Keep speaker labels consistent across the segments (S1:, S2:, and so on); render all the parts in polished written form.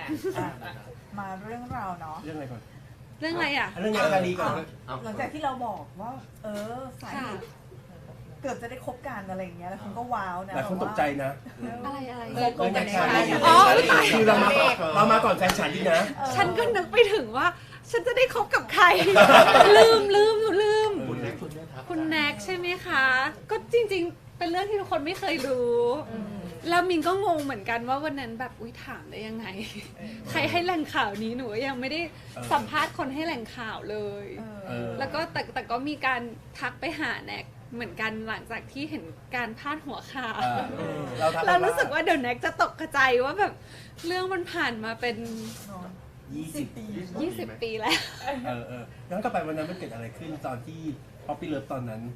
S1: มาเรื่องราวเนาะ
S2: เรื่องอะไรก่อน
S3: เรื่องอะไรอ่ะ
S2: เรื่องงานการีก่อน
S1: หลังจากที่เราบอกว่า สายเกือบจะได้คบกันอะไรอย่างเงี้ยแล้วคุณก็ว้าวนะ
S2: หลายคนตกใจนะ
S3: อะไร
S2: เรื่องงานการี
S3: อ๋อ
S2: คือเรามาก่อนแฟนฉันดีนะ
S3: ฉันก็นึกไปถึงว่า ฉันจะได้คบกับใคร ลืมคุณแน็กใช่ไหมคะ ก็จริงๆ เป็นเรื่องที่ทุกคนไม่เคยรู้แล้วมินก็งงเหมือนกันว่าวันนั้นแบบอุ๊ยถามได้ยังไง ใครให้แหล่งข่าวนี้หนูยังไม่ได้สัมภาษณ์คนให้แหล่งข่าวเลย แล้วก็แต่ก็มีการทักไปหาแน็กเหมือนกันหลังจากที่เห็นการพาดหัวข่าวเรารู้สึกว่าเดี๋ยวแน็กจะตกกระจายว่าแบบเรื่องมันผ่านมาเป็น
S2: 20 ปี
S3: 20 ปีแล้ว
S2: ย้อนกลับไปวันนั้นมันเกิดอะไรขึ้นตอนที่ป๊อปปี้เลิฟตอนนั้น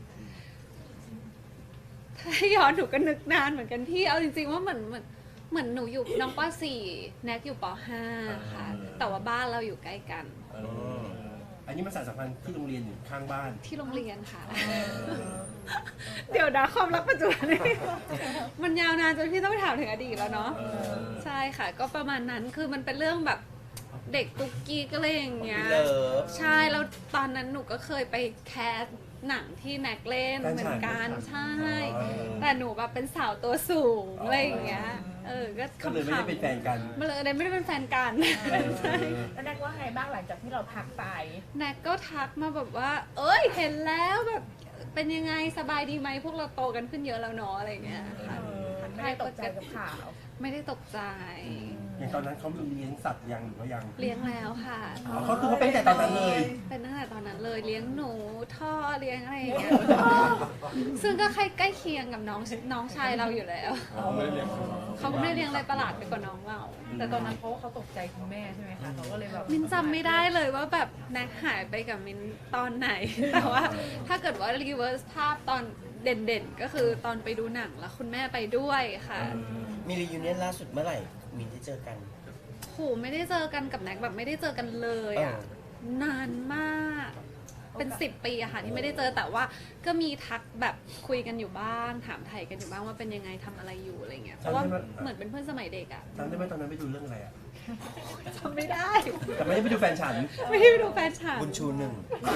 S3: ถ้าย้อนหนูก็นึกนานเหมือนกันที่เอาจริงๆว่าเหมือนหนูอยู่น้องป .4 แน็กอยู่ป .5 ค่ะแต่ว่าบ้านเราอยู่ใกล้กัน
S2: อันนี้มันสารสัมพันธ์ที่โรงเรียนอยู่ข้างบ้าน
S3: ที่โรงเรียนค่ะ เดี๋ยวนะความรักปัจจุบันนี่มันยาวนานจนพี่ต้องไปถามถึงอดีตแล้วเนาะใช่ค่ะก็ประมาณนั้นคือมันเป็นเรื่องแบบเด็กตุ๊กกี้ก็เลยอย่างเงี้ยใช่แล้วตอนนั้นหนูก็เคยไปแคสหนังที่แน็กเล่นเหมือนกันใช่แต่หนูแบบเป็นสาวตัวสูงอะไรอย่างเงี้ยก็
S2: เลยไม่ได้เป็นแฟนกัน
S3: มาเลยไม่ได้เป็นแฟนกันใช่
S4: แล้วแน็กว่าไงบ้างหลังจากที่เราทักไป
S3: แน็กก็ทักมาแบบว่าเอ้ยเห็นแล้วแบบเป็นยังไงสบายดีไหมพวกเราโตกันขึ้นเยอะแล้วเนาะอะไรอย่างเงี้ยค่ะ
S4: ไม่ได้ตกใจกับข่าว
S3: ไม่ได้ตกใจ
S2: อย่างตอนนั้นเขาเลี้ยงสัตว์ยังหรือว่ายัง
S3: เลี้ยงแล้วค่ะ
S2: เขาคือเขาเป็นแต่ตอนนั้นเลย
S3: เป็นตั้งแต่ตอนนั้นเลยเลี้ยงหนูท่อเลี้ยงอะไรอย่างเงี้ยซึ่งก็ใกล้เคียงกับน้องชายเราอยู่แล้วเขาก็ไม่ได้เลี้ยงอะไรประหลาดไปกว่าน้องเรา
S4: แต่ตอนนั้นเขาตกใจคุณแม่ใช่ไหมคะเขาก็เลยแบบ
S3: มินจำไม่ได้เลยว่าแบบแน็กหายไปกับมินตอนไหนแต่ว่าถ้าเกิดว่ารีเวิร์สภาพตอนเด่นๆก็คือตอนไปดูหนังแล้วคุณแม่ไปด้วยค่ะ
S5: มีรียูเนียนล่าสุดเมื่อไหร่มินได้เจอกัน
S3: โหไม่ได้เจอกันกับแน็กแบบไม่ได้เจอกันเลยอ่ะนานมากเป็น10 ปีอะค่ะที่ไม่ได้เจอแต่ว่าก็มีทักแบบคุยกันอยู่บ้างถามไทยกันอยู่บ้างว่าเป็นยังไงทำอะไรอยู่อะไรเงี้ยเพราะว่าเหมือนเป็นเพื่อนสมัยเด็กอะ
S2: จำได้ไหมตอนนั้นไปดูเรื่องอะไรอะ
S3: จำไม่ได้
S2: แต่ไม่ได้ไปดูแฟนฉัน
S3: ไม่ได้ไปดูแฟนฉัน
S5: บุญชู1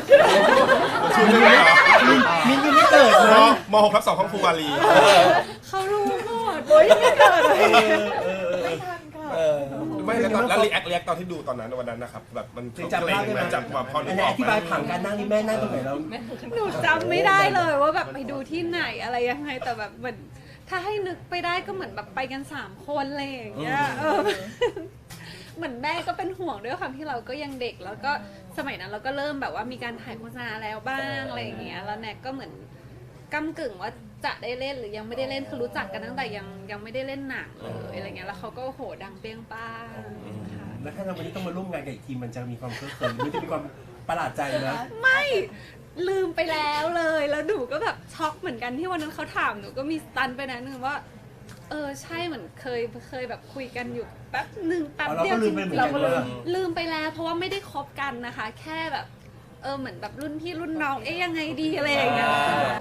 S2: มินยังไม่เกิดนะ
S6: ม.6/2ห้องครูวารี
S3: เขารู้หมดโอ้ยไม่เกิด
S1: ไม่ทันค่ะ
S6: ไม่แล้วรีแอคตอนที่ดูตอนนั้นวันนั้นนะครับแบบมัน
S2: จำภาพได้ไหม
S6: จำความพอนึกออก
S2: อธิบายผังการนั่งนี่แม่นั่งตรงไหนแล้ว
S3: หนูจำไม่ได้เลยว่าแบบไปดูที่ไหนอะไรยังไงแต่แบบเหมือนถ้าให้นึกไปได้ก็เหมือนแบบไปกัน3 คนอะไรอย่างเงี้ยเหมือนแม่ก็เป็นห่วงด้วยความที่เราก็ยังเด็กแล้วก็สมัยนั้นเราก็เริ่มแบบว่ามีการถ่ายโฆษณาแล้วบ้างอะไรอย่างเงี้ยแล้วแน็กก็เหมือนก้ำกึ่งว่าจะได้เล่นหรือยังไม่ได้เล่นคือรู้จักกันตั้งแต่ยังไม่ได้เล่นหนังเลยอะไรเงี้ยแล้วเขาก็โหดังเปรี้ยงป้างค่ะ
S2: แล้วถ้าเราวันนี้ต้องมาร่วมงานกับอีกทีมันจะมีความเคลิ้มหรือจะมีความประหลาดใจนะ
S3: ไม่ลืมไปแล้วเลยแล้วหนูก็แบบช็อกเหมือนกันที่วันนั้นเขาถามหนูก็มีสตันไปนะนึงว่าใช่เหมือนเคยแบบคุยกันอยู่แป๊บเดียว
S2: เราก็
S3: ลืมไปแล้วเพราะว่าไม่ได้คบกันนะคะแค่แบบเหมือนแบบรุ่นพี่รุ่นน้องยังไงดีอะไรอย่างเงี้ย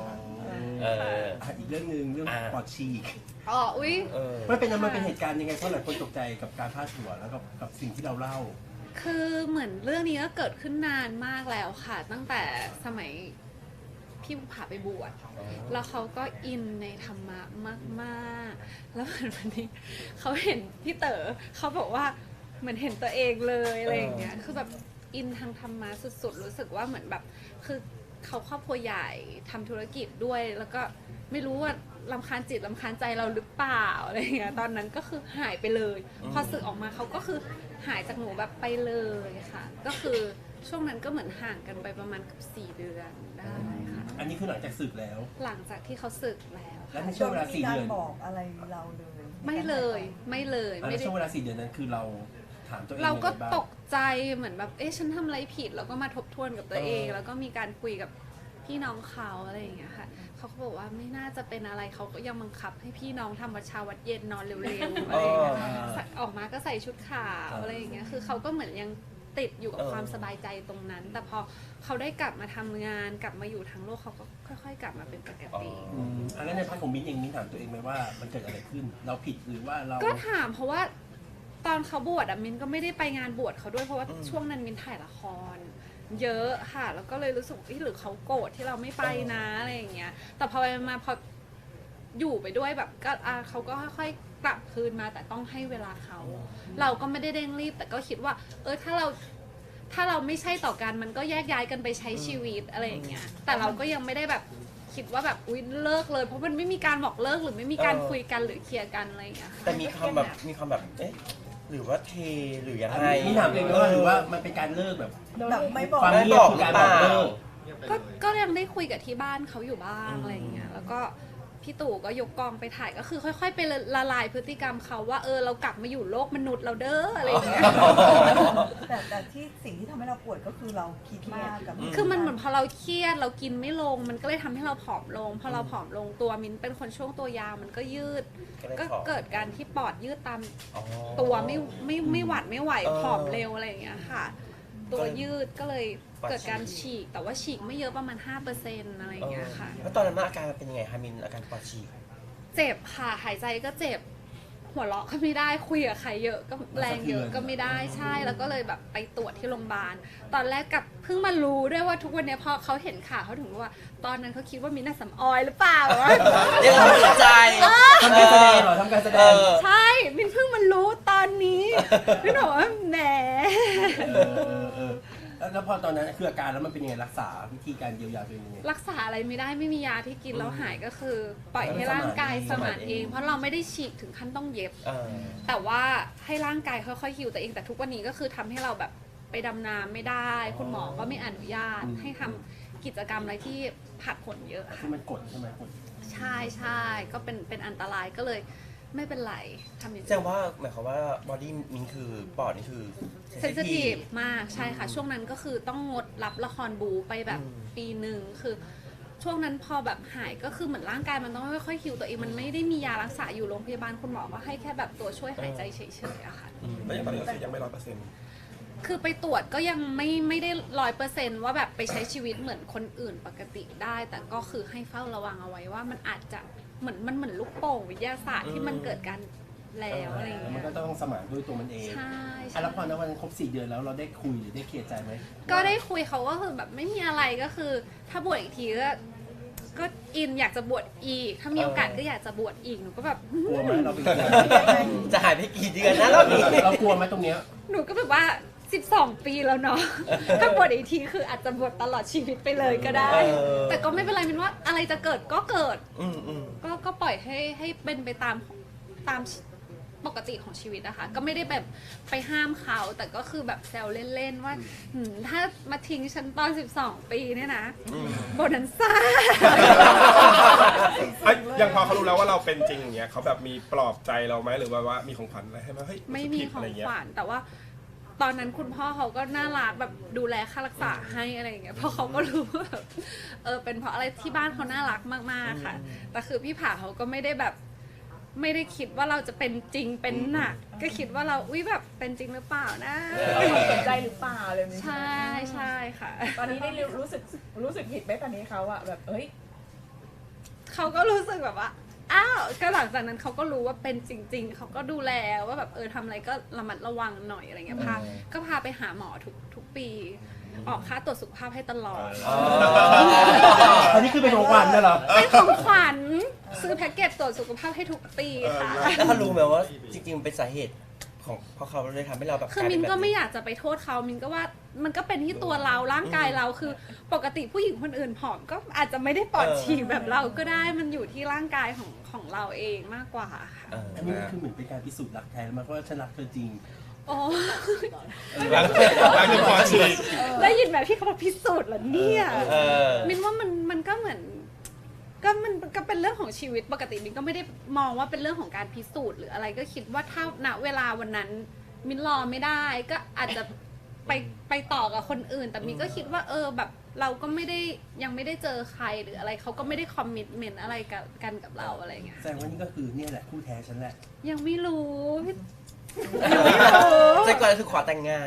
S2: อีกเรื่องนึงเรื่องปอดฉีก
S3: อุ้ย
S2: มันเป็นเหตุการณ์ยังไงเพราะหลายคนตกใจกับการพาดหัวแล้วกับสิ่งที่เราเล่า
S3: คือเหมือนเรื่องนี้ก็เกิดขึ้นนานมากแล้วค่ะตั้งแต่สมัยพี่ภูผาไปบวชแล้วเขาก็อินในธรรมะมากๆแล้ววันนี้เขาเห็นพี่เต๋อเขาบอกว่าเหมือนเห็นตัวเองเลยอะไรอย่างเงี้ยคือแบบอินทางธรรมะสุดๆรู้สึกว่าเหมือนแบบคือเขาครอบครัวใหญ่ทำธุรกิจด้วยแล้วก็ไม่รู้ว่ารำคาญจิตรำคาญใจเราหรือเปล่าอะไรอย่างเงี้ยตอนนั้นก็คือหายไปเลยพอสึกออกมาเขาก็คือหายจากหนูแบบไปเลยค่ะก็คือช่วงนั้นก็เหมือนห่างกันไปประมาณ4 เดือนได้ค่ะ
S2: อันนี้คือหลังจากสึกแล้ว
S3: หลังจากที่เขาสึกแล้ว
S2: แล้วในช่วงเวลา4 เดือน
S1: บอกอะไรเราเลย
S3: ไม่เลย
S2: ในช่วงเวลา4 เดือนนั้นคือเราถามตัวเอง
S3: เราก็ตกใจเหมือนแบบฉันทำอะไรผิดแล้วก็มาทบทวนกับตัวเองแล้วก็มีการคุยกับพี่น้องเขาอะไรอย่างเงี้ยค่ะเขาก็บอกว่าไม่น่าจะเป็นอะไรเขาก็ยังบังคับให้พี่น้องทำวัดเช้าวัดเย็นนอนเร็วๆอะไรอย่างเงี้ยออกมาก็ใส่ชุดขาวอะไรอย่างเงี้ยคือเขาก็เหมือนยังติดอยู่กับความสบายใจตรงนั้นแต่พอเขาได้กลับมาทำงานกลับมาอยู่ทางโลกเขาก็ค่อยๆกลับมาเป็นปกติ
S2: แล้วในพาร์ทของมิ้นเองมิ้นถามตัวเองไหมว่ามันเกิดอะไรขึ้นเราผิดหรือว่าเรา
S3: ก็ถามเพราะว่าตอนเขาบวชอะมินก็ไม่ได้ไปงานบวชเขาด้วยเพราะว่าช่วงนั้นมินถ่ายละคร เยอะค่ะแล้วก็เลยรู้สึกหรือเขาโกรธที่เราไม่ไปนะอะไรอย่างเงี้ยแต่พอไปมาพออยู่ไปด้วยแบบก็เขาก็ค่อยๆกลับคืนมาแต่ต้องให้เวลาเขาเราก็ไม่ได้เร่งรีบแต่ก็คิดว่าถ้าเราไม่ใช่ต่อกันมันก็แยกย้ายกันไปใช้ชีวิตอะไรอย่างเงี้ยแต่เราก็ยังไม่ได้แบบคิดว่าแบบอุ๊ยเลิกเลยเพราะมันไม่มีการบอกเลิกหรือไม่มีการคุยกันหรือเคลียร์กันอะไรอย่างเงี้ย
S5: แต่มีความแบบเอ๊ะหรือว่าเทหรือยังไง
S2: นี่ถามเองว่าหรือว่ามันเป็นการเลิกแบบ
S1: แบบไม่บอก
S2: ความเงียบคือการบอกเลิก
S3: ก็ยังได้คุยกับที่บ้านเขาอยู่บ้างอะไรอย่างเงี้ยแล้วก็พี่ตู่ก็ยกกองไปถ่ายก็คือค่อยๆไปละลายพฤติกรรมเขาว่าเรากลับมาอยู่โลกมนุษย์เราเด้ออะไรอย่างเงี้ย
S1: แต่ที่สิ่งที่ทำให้เราปวดก็คือเราคิดมากกับ
S3: คือมันเหมือนพอเราเครียดเรากินไม่ลงมันก็เลยทำให้เราผอมลงพอเราผอมลงตัวมิ้นเป็นคนช่วงตัวยาวมันก็ยืด ก็เกิดการที่ปอดยืดตามตัวไม่หวัดไม่ไหวผอมเร็วอะไรอย่างเงี้ยค่ะ ตัวยืดก็เลยเกิดการฉีกแต่ว่าฉีกไม่เยอะประมาณ 5% อะไรอย่างเงี้ยค่ะ
S5: แล้วตอนนั้นอาการมันเป็นยังไงคะมินอาการปอดฉีก
S3: เจ็บค่ะหายใจก็เจ็บหัวเราะก็ไม่ได้คุยกับใครเยอะก็แรงเยอะก็ไม่ได้ใช่แล้วก็เลยแบบไปตรวจที่โรงพยาบาลตอนแรกกับเพิ่งมารู้ด้วยว่าทุกวันนี้พอเขาเห็นข่าวเขาถึงรู้ว่าตอนนั้นเขาคิดว่ามินน่ะสำออยหรือเปล่าวะ
S5: เรียกความสนใจ
S2: ทำการแสดงเหรอทำการแสดง
S3: ใช่มินเพิ่งมารู้ตอนนี้มินบอกว่าแหม
S2: แล้วพอตอนนั้นคืออาการแล้วมันเป็นยังไงรักษาวิธีการเยียวยาตัวเองยังไง
S3: รักษาอะไรไม่ได้ไม่มียาที่กินแล้วหายก็คือ ปล่อยให้ร่างกายสมานเอง เพราะเราไม่ได้ฉีกถึงขั้นต้องเย็บ แต่ว่าให้ร่างกายค่อยๆฮิวตัวเองแต่ทุกวันนี้ก็คือทำให้เราแบบไปดำน้ำไม่ได้ คุณหมอก็ไม่อนุญาตให้ทำกิจกรรมอะไรที่ผัดผลเยอะ
S2: ที่
S3: ค่ะ
S2: มันกดใช่ไหมกด
S3: ใช่ใช่ก็เป็นอันตรายก็เลยไม่เป็นไรทำอย่าง
S5: แสดงว่าหมายความว่าบอดี้มินคือปอดนี่คือ
S3: เซนซิทีฟมากใช่ค่ะช่วงนั้นก็คือต้องงดรับละครบูไปแบบปีหนึ่งคือช่วงนั้นพอแบบหายก็คือเหมือนร่างกายมันต้องค่อยๆฮิวตัวเองมันไม่ได้มียารักษาอยู่โรงพยาบาลคุณหมอก็ให้แค่แบบตัวช่วยหายใจเฉยๆอะค่ะ
S6: แล้วอย่างตอนนี้ก็คือยังไม่100%
S3: คือไปตรวจก็ยังไม่ได้100%ว่าแบบไปใช้ชีวิตเหมือนคนอื่นปกติได้ แต่ก็คือให้เฝ้าระวังเอาไว้ว่ามันอาจจะเหมือนลูกโป่งวิทยาศาสตร์ที่มันเกิดการแล้วอะไรอย่าง
S2: มั
S3: เงี้
S2: น
S3: ย
S2: ก็ต้องสมานด้วยตัวมันเอง
S3: ใช่
S2: แล้วพอในวันนั้นครบ4 เดือนแล้วเราได้คุยหรือได้เคลียร์ใจไหม
S3: ก็ได้คุยเขาก็คือแบบไม่มีอะไรก็คือ ถ้าบวชอีกทีก็อินอยากจะบวชอีก ถ้ามีโอกาสก็อยากจะบวชอีกหนูก็แบบ
S2: กลัวไหมเราเป็น
S5: จะหายไปกี่เดือนนะรอบนี้
S2: เรากลัวไหมตรงเนี้ย
S3: หนูก็แบบว่า12 ปีแล้วเนาะ ถ้าบวชอีกทีคืออาจจะบวชตลอดชีวิตไปเลยก็ได้ แต่ก็ไม่เป็นไรมินว่าอะไรจะเกิดก็เกิด ก็ปล่อยให้เป็นไปตามปกติของชีวิตนะคะ ก็ไม่ได้แบบไปห้ามเขา แต่ก็คือแบบแซวเล่นๆว่าถ้ามาทิ้งฉันตอน12 ปีเนี่ยนะโบนันซ่า
S6: ยังพอเขารู้แล้วว่าเราเป็นจริงอย่างเงี้ยเขาแบบมีปลอบใจเราไหมหรือว่ามีของขวัญอะไรให้ไหมเฮ้ย
S3: ไม่มี
S6: ผิด
S3: ขอ
S6: อะไร
S3: ง
S6: เงี้ย
S3: ขวัญแต่ว่าตอนนั้นคุณพ่อเขาก็น่ารักแบบดูแลค่ารักษาให้อะไรอย่างเงี้ยเพราะเขาก็รู้ว่าแบบเป็นเพราะอะไรที่บ้านเขาน่ารักมากๆค่ะ แต่คือพี่ผาเขาก็ไม่ได้แบบไม่ได้คิดว่าเราจะเป็นจริงเป็นหนัก ก็คิดว่าเราแบบเป็นจริงหรือเปล่านะ
S4: เราสนใจหรือเปล่าอะไรแบบนี้
S3: ใช่ใช่ค่ะ
S4: ตอนนี้ได้รู้สึกผิดไหมตอนนี้เขาอะแบบ
S3: เขาก็รู้สึกแบบว่าอ้าวก็หลังจากนั้นเขาก็รู้ว่าเป็นจริง ๆเขาก็ดูแลว่าแบบทำอะไรก็ระมัดระวังหน่อยอะไรเงี้ยก็พาไปหาหมอทุกปี ออกค่าตรวจสุขภาพให้ตลอด
S2: อันนี้คือเป็นของขวัญนะเหรอ
S3: เป็นของขวัญซื้อแพ็กเกจตรวจสุขภาพให้ทุกปีค่ะ
S5: แล้วเขารู้ไหมว่าจริงๆเป็นสาเหตุของเพราะเขาเลยทำให้เราแบบ
S3: คือมินก็ไม่อยากจะไปโทษเขามินก็ว่ามันก็เป็นที่ตัวเราร่างกายเราคือปกติผู้หญิงคนอื่นผอมก็อาจจะไม่ได้ปอดฉีกแบบเราก็ได้มันอยู่ที่ร่างกายของเราเองมากกว่าค่ะ
S2: อันนี้มันคือเหมือนเป็นการพิสูจน์รักแท้มันเพราะว่าฉันรักเธอจริง
S3: โอ้
S6: หลังจากปอดฉีก
S3: ได้ยินแบบที่เขาบอกพิสูจน์เหรอเนี่ยมินว่ามันก็เหมือนมันก็เป็นเรื่องของชีวิตปกติมินก็ไม่ได้มองว่าเป็นเรื่องของการพิสูจน์หรืออะไรก็คิดว่าถ้าณเวลาวันนั้นมินรอไม่ได้ก็อาจจะไปต่อกับคนอื่น แต่มินก็คิดว่าแบบเราก็ไม่ได้ยังไม่ได้เจอใครหรืออะไรเขาก็ไม่ได้คอมมิตเมนต์อะไรกันกับเราอะไรอย่างเงี้ย
S2: แสดงว่านี่ก็คือเนี่ยแหละคู่แท้ฉันแหละ
S3: ยังไม่รู้
S5: ใจก่อนคือขอแต่งงาน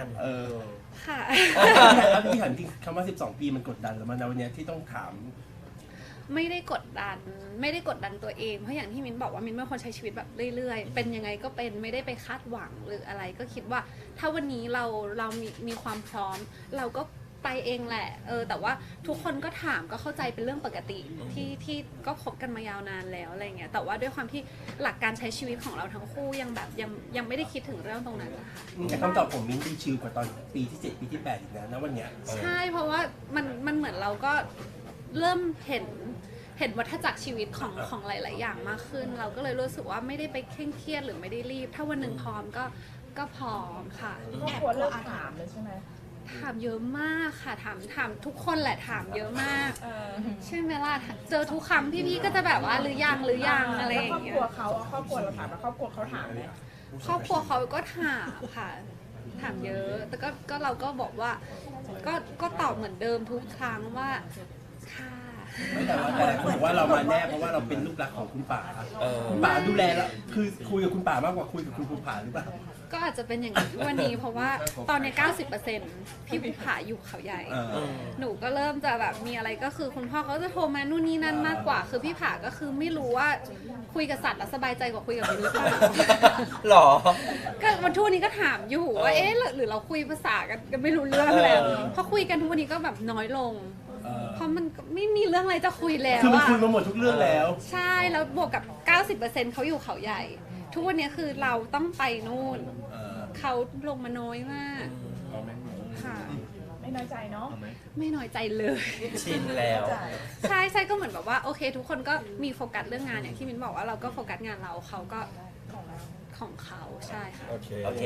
S3: ค่ะ
S2: แล้วพี่ถามจริงคำว่า12 ปีมันกดดันแล้วมันในวันนี้ที่ต้องถาม
S3: ไม่ได้กดดันตัวเองเพราะอย่างที่มิ้นบอกว่ามิ้นเป็นคนใช้ชีวิตแบบเรื่อยๆเป็นยังไงก็เป็นไม่ได้ไปคาดหวังหรืออะไรก็คิดว่าถ้าวันนี้เรามีความพร้อมเราก็ไปเองแหละแต่ว่าทุกคนก็ถามก็เข้าใจเป็นเรื่องปกติที่ก็คบกันมายาวนานแล้วอะไรเงี้ยแต่ว่าด้วยความที่หลักการใช้ชีวิตของเราทั้งคู่ยังแบบยังไม่ได้คิดถึงเรื่องตรงนั้นนะคะ
S2: แต่คำตอบของมิ้นท์ดีชิลกว่าตอนปีที่ 7 ปีที่ 8อีกนะวันเนี้ย
S3: ใช่เพราะว่ามันเหมือนเราก็เริ่มเห็นวัฏจักรชีวิตของหลาย ๆ อย่างมากขึ้น เราก็เลยรู้สึกว่าไม่ได้ไปเคร่งเครียดหรือไม่ได้รีบ ถ้าวันหนึ่งพร้อมก็พร้อมค่ะ
S4: ครอบครัวเลิกถามเลยใช่ไหม
S3: ถามเยอะมากค่ะถามทุกคนแหละถามเยอะมาก ใช่ไหมล่ะเจอทุกครั้งพี่ๆก็จะแบบว่าหรือยังอะไรอ
S4: แล้ว
S3: ย่า
S4: ครอบ
S3: งเงี้
S4: ค
S3: ย
S4: รัวเขาครอบครัวเราถามแล้วครอบครัวเขาถามไหม
S3: ครอบครัวเขาก็ถามค่ะ ถามเยอะ แต่ก็เราก็บอกว่าก็ตอบเหมือนเดิมทุกครั้งว่าค่ะ
S2: ไม่แต่ว่าหลายคนบอกว่าเรามาแน่เพราะว่าเราเป็นลูกรักของคุณป๋าคุณป๋าดูแลแล้วคือคุยกับคุณป๋ามากกว่าคุยกับคุณภูผาหรือเปล่า
S3: ก็อาจจะเป็นอย่างนี้วันนี้เพราะว่าตอนนี้ 90%พี่ภูผาอยู่เขาใหญ่ หนูก็เริ่มจะแบบมีอะไรก็คือคุณพ่อเขาจะโทรมานู่นนี่นั่นมากกว่า คือพี่ผาก็คือไม่รู้ว่าคุยกับสัตว์แล้วสบายใจกว่าคุยกับมนุษย์หรือเปล่า
S5: หรอ
S3: ก็วันทุกวันนี้ก็ถามอยู่ว่าเอ๊ะหรือเราคุยภาษากันไม่รู้เรื่องแล้วพอคุยกันทุกวันนี้ก็แบบน้อยลง เพราะมันก็ไม่มีเรื่องอะไรจะคุยแล้ว
S2: คือมัน
S3: อะ
S2: คุยมาหมดทุกเรื่องแล้ว
S3: ใช่แล้วบวกกับ 90%เขาอยู่เขาใหญ่ ทุกวันนี้คือเราต้องไปนู่นเขาลงมาน้อยมากค่ะ
S4: ไม่น้อยใจเนาะ
S3: ไม่น้อยใจเลย
S5: ชินแล้ว
S3: ใช่ก็เหมือนแบบว่าโอเค ทุกคนก็มีโฟกัสเรื่องงานอย่างที่มิ้นบอกว่าเราก็โฟกัสงานเราเขาก็ของเขาใช่ค่ะ
S6: โอเค